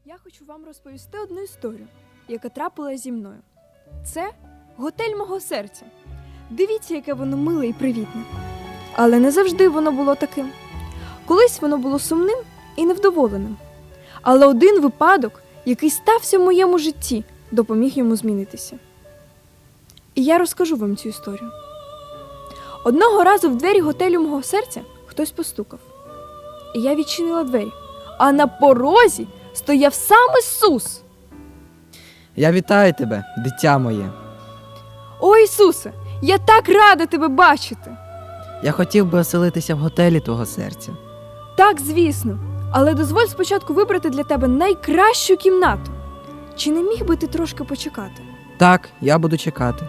Я хочу вам розповісти одну історію, яка трапилася зі мною. Це готель мого серця. Дивіться, яке воно миле і привітне. Але не завжди воно було таким. Колись воно було сумним і невдоволеним. Але один випадок, який стався в моєму житті, допоміг йому змінитися. І я розкажу вам цю історію. Одного разу в двері готелю мого серця хтось постукав. І я відчинила двері, а на порозі стояв сам Ісус. Я вітаю тебе, дитя моє. О, Ісусе, я так рада тебе бачити. Я хотів би оселитися в готелі твого серця. Так, звісно, але дозволь спочатку вибрати для тебе найкращу кімнату. Чи не міг би ти трошки почекати? Так, я буду чекати.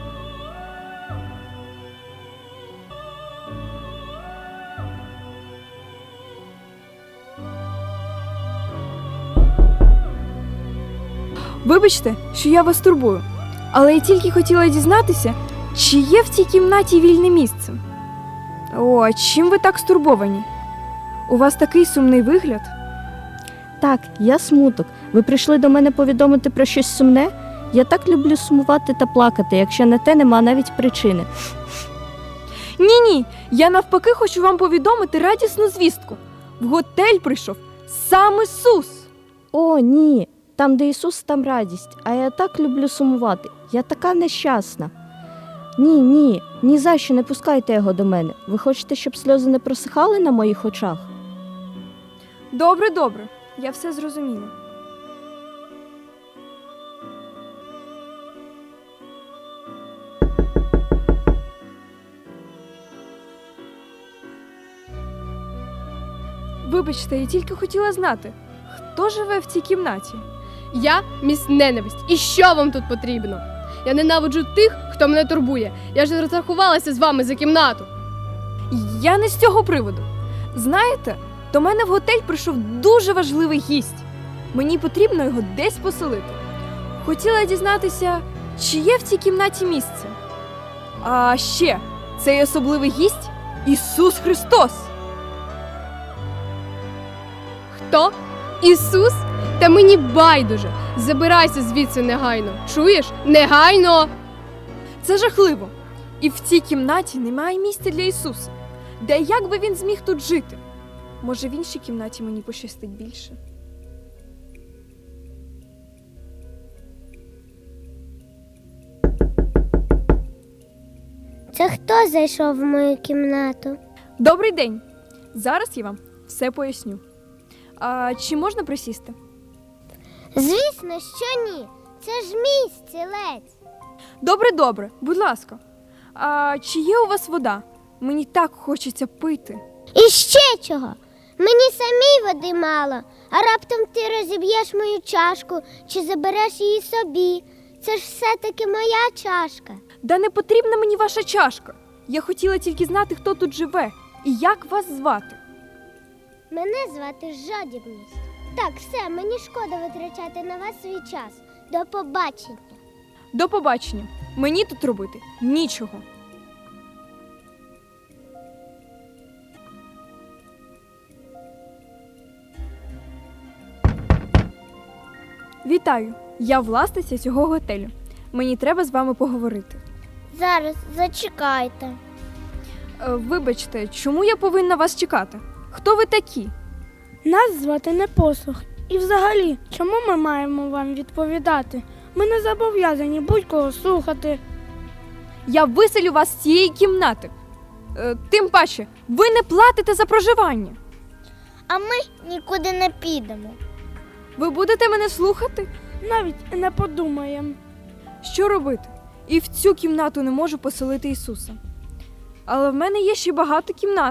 Вибачте, що я вас турбую, але я тільки хотіла дізнатися, чи є в цій кімнаті вільне місце. О, а чим ви так стурбовані? У вас такий сумний вигляд. Так, я Смуток. Ви прийшли до мене повідомити про щось сумне? Я так люблю сумувати та плакати, якщо на те нема навіть причини. Ні, я навпаки хочу вам повідомити радісну звістку. В готель прийшов сам Ісус. О, ні, там, де Ісус, там радість, а я так люблю сумувати. Я така нещасна. Ні за що не пускайте його до мене. Ви хочете, щоб сльози не просихали на моїх очах? Добре, я все зрозуміла. Вибачте, я тільки хотіла знати, хто живе в цій кімнаті? Я міс Ненависть. І що вам тут потрібно? Я ненавиджу тих, хто мене турбує. Я ж розрахувалася з вами за кімнату. Я не з цього приводу. Знаєте, до мене в готель прийшов дуже важливий гість. Мені потрібно його десь поселити. Хотіла дізнатися, чи є в цій кімнаті місце. А ще, цей особливий гість – Ісус Христос. Хто? Ісус? Та мені байдуже. Забирайся звідси негайно. Чуєш? Негайно! Це жахливо. І в цій кімнаті немає місця для Ісуса. Де як би він зміг тут жити? Може, в іншій кімнаті мені пощастить більше. Це хто зайшов в мою кімнату? Добрий день. Зараз я вам все поясню. А чи можна присісти? Звісно, що ні. Це ж мій стілець. Добре, будь ласка. А чи є у вас вода? Мені так хочеться пити. І ще чого? Мені самій води мало, а раптом ти розіб'єш мою чашку чи забереш її собі. Це ж все-таки моя чашка. Да не потрібна мені ваша чашка. Я хотіла тільки знати, хто тут живе і як вас звати. Мене звати Жадібність. Так, все, мені шкода витрачати на вас свій час. До побачення. До побачення. Мені тут робити нічого. Вітаю! Я власниця цього готелю. Мені треба з вами поговорити. Зараз, зачекайте. Вибачте, чому я повинна вас чекати? Хто ви такі? Нас звати Непослух. І взагалі, чому ми маємо вам відповідати? Ми не зобов'язані будь-кого слухати. Я виселю вас з цієї кімнати. Тим паче, ви не платите за проживання. А ми нікуди не підемо. Ви будете мене слухати? Навіть не подумаємо. Що робити? І в цю кімнату не можу поселити Ісуса. Але в мене є ще багато кімнат.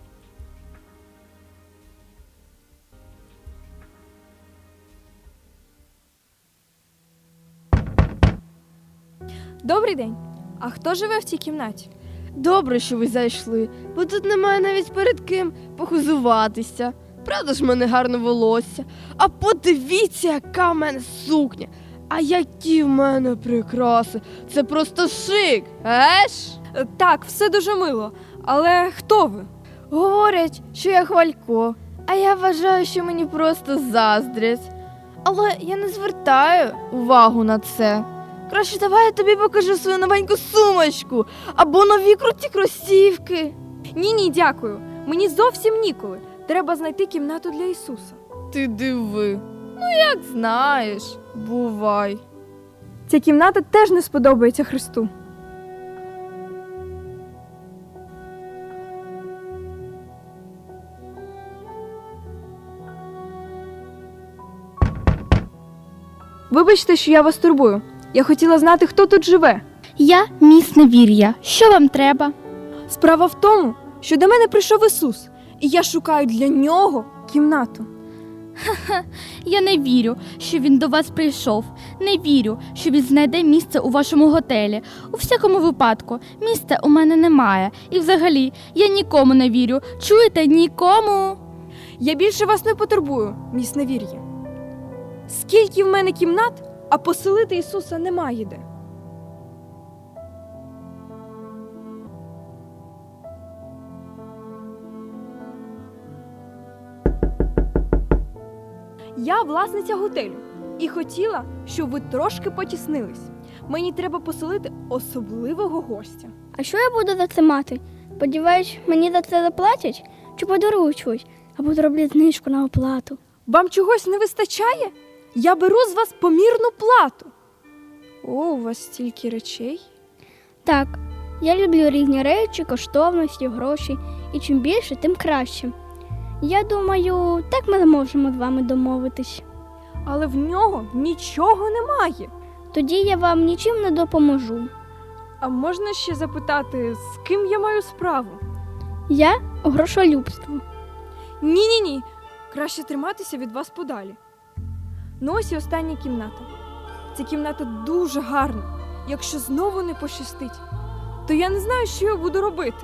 Добрий день. А хто живе в цій кімнаті? Добре, що ви зайшли, бо тут немає навіть перед ким похизуватися. Правда ж, в мене гарне волосся. А подивіться, яка в мене сукня. А які в мене прикраси. Це просто шик, еш? Так, все дуже мило. Але хто ви? Говорять, що я хвалько, а я вважаю, що мені просто заздрять. Але я не звертаю увагу на це. Краще давай я тобі покажу свою новеньку сумочку або нові круті кросівки. Ні, дякую. Мені зовсім ніколи. Треба знайти кімнату для Ісуса. Ти диви. Ну, як знаєш, бувай. Ця кімната теж не сподобається Христу. Вибачте, що я вас турбую. Я хотіла знати, хто тут живе. Я міс Невір'я. Що вам треба? Справа в тому, що до мене прийшов Ісус, і я шукаю для нього кімнату. Я не вірю, що він до вас прийшов. Не вірю, що він знайде місце у вашому готелі. У всякому випадку, місця у мене немає. І взагалі, я нікому не вірю. Чуєте, нікому? Я більше вас не потурбую, міс Невір'я. Скільки в мене кімнат, а поселити Ісуса немає де. Я власниця готелю і хотіла, щоб ви трошки потіснились. Мені треба поселити особливого гостя. А що я буду за це мати? Сподіваюсь, мені за це заплатять? Чи подарують щось? Або зроблять знижку на оплату? Вам чогось не вистачає? Я беру з вас помірну плату. О, у вас стільки речей. Так, я люблю різні речі, коштовності, гроші. І чим більше, тим краще. Я думаю, так ми зможемо з вами домовитись. Але в нього нічого немає. Тоді я вам нічим не допоможу. А можна ще запитати, з ким я маю справу? Я грошолюбство. Ні. Краще триматися від вас подалі. Ну ось і остання кімната. Ця кімната дуже гарна. Якщо знову не пощастить, то я не знаю, що я буду робити.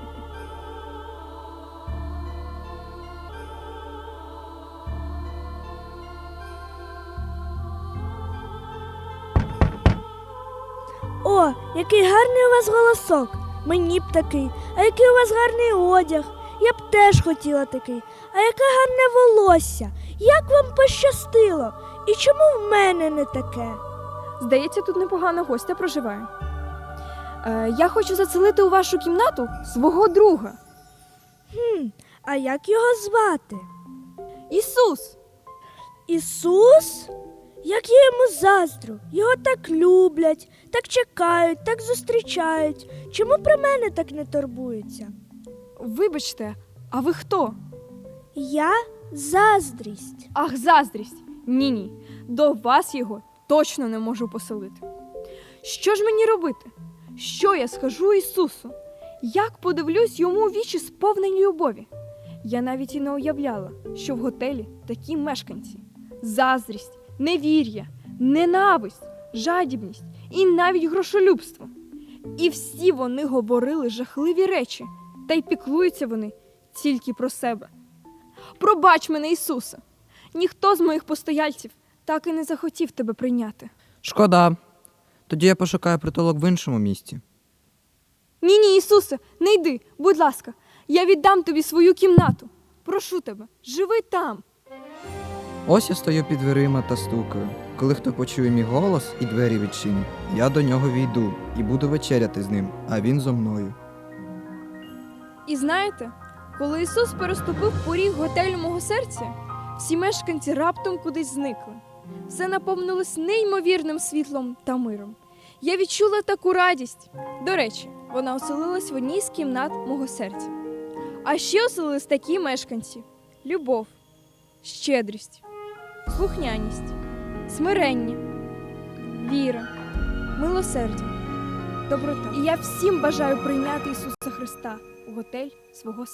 О, який гарний у вас голосок. Мені б такий. А який у вас гарний одяг. Я б теж хотіла такий. А яке гарне волосся. Як вам пощастило? І чому в мене не таке? Здається, тут непогана гостя проживає. Я хочу заселити у вашу кімнату свого друга. А як його звати? Ісус! Ісус? Як я йому заздрю. Його так люблять, так чекають, так зустрічають. Чому про мене так не турбуються? Вибачте, а ви хто? Я заздрість. Ах, заздрість! Ні. До вас його точно не можу поселити. Що ж мені робити? Що я скажу Ісусу? Як подивлюсь йому у вічі сповнені любові? Я навіть і не уявляла, що в готелі такі мешканці. Заздрість, невір'я, ненависть, жадібність і навіть грошолюбство. І всі вони говорили жахливі речі, та й піклуються вони тільки про себе. Пробач мене, Ісусе! Ніхто з моїх постояльців так і не захотів тебе прийняти. Шкода. Тоді я пошукаю притулок в іншому місті. Ні, Ісусе, не йди, будь ласка, я віддам тобі свою кімнату. Прошу тебе, живи там. Ось я стою під дверима та стукаю. Коли хто почує мій голос і двері відчинить, я до нього війду і буду вечеряти з ним, а він зо мною. І знаєте, коли Ісус переступив поріг готелю мого серця, всі мешканці раптом кудись зникли. Все наповнилось неймовірним світлом та миром. Я відчула таку радість. До речі, вона оселилась в одній з кімнат мого серця. А ще оселились такі мешканці: любов, щедрість, слухняність, смирення, віра, милосердя, доброта. І я всім бажаю прийняти Ісуса Христа у готель свого серця.